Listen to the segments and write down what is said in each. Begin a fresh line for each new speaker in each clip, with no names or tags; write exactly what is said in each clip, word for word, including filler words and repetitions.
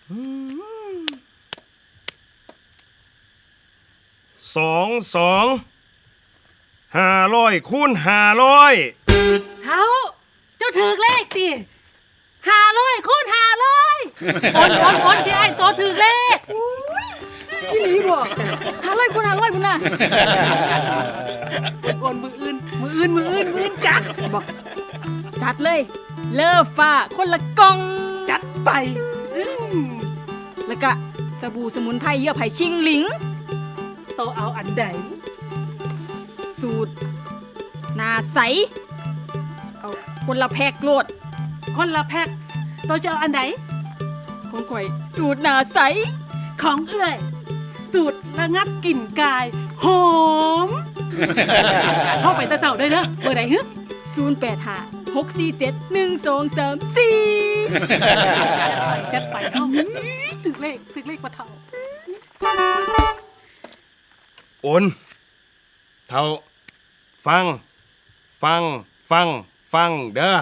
สองสองห้าร้อยคูณห้าร้อย
เท้าเจ้าถือเลขติห้าร้อยคูณห้าร้อยโอนโอนโอนที่ไอ้ตัวถือเลขพี่ลีบ่ห้าร้อยคูณห้าร้อยพุ่นน่ะโอนมืออื่นมืออื่นมืออื่นมืออื่นจัดบอกจัดเลยเลิฟฟ้าคนละกล่องจัดไปแล้วก็สบู่สมุนไพรเยื่อไผ่ชิงหลิงโตเอาอันใดสูตรหน้าใสเอาคนละแพ็กโลดคนละแพ็กโตจะเอาอันใดของข่อยสูตรหน้าใสของเอื้อยสูตรระงับกลิ่นกายหอมเข้าไปตะเจ้าได้เนอะเบอร์ไหนฮึศูนย์แปดห้าหกสี่เจ็ดหนึ่งสองสามสี่จัดไปจัดไปเอาถึงเลขถึงเลขปะเท่า
โอนเท่าฟังฟังฟังฟังเด้อ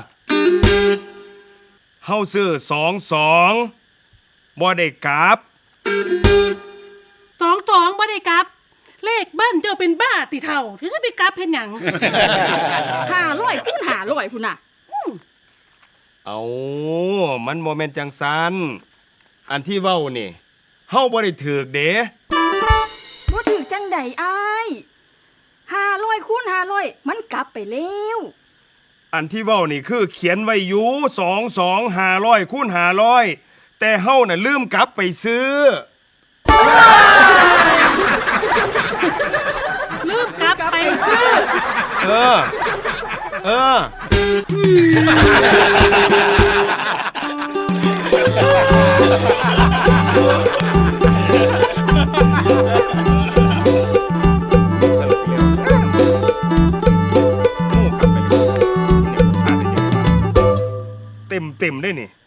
เฮาซื้อสองสองบ่ได้กลับ
ตองตองบ่ได้กลับเลขบ้านเจ้าเป็นบ้าติเท่าถึงจะไปกลับเพ็นหยังห้าร้อยคูณห้าร้อยพุ่นน่ะ
เอามันโมเมนต์จังสันอันที่เว้านี่เฮาบ่ได้ถือกเด้
บ่ถือจังใดอ้ายห้าร้อยคูณห้าร้อยมันกลับไปแล้ว
อันที่เว้านี่คือเขียนไว้อยู่สองสองห้าร้อยคูณห้าร้อยแต่เฮาน่ะลืมกลับไปซื้อ
ลืมกลับไปซื้อ
เออเออเต็มเต็มได้นี่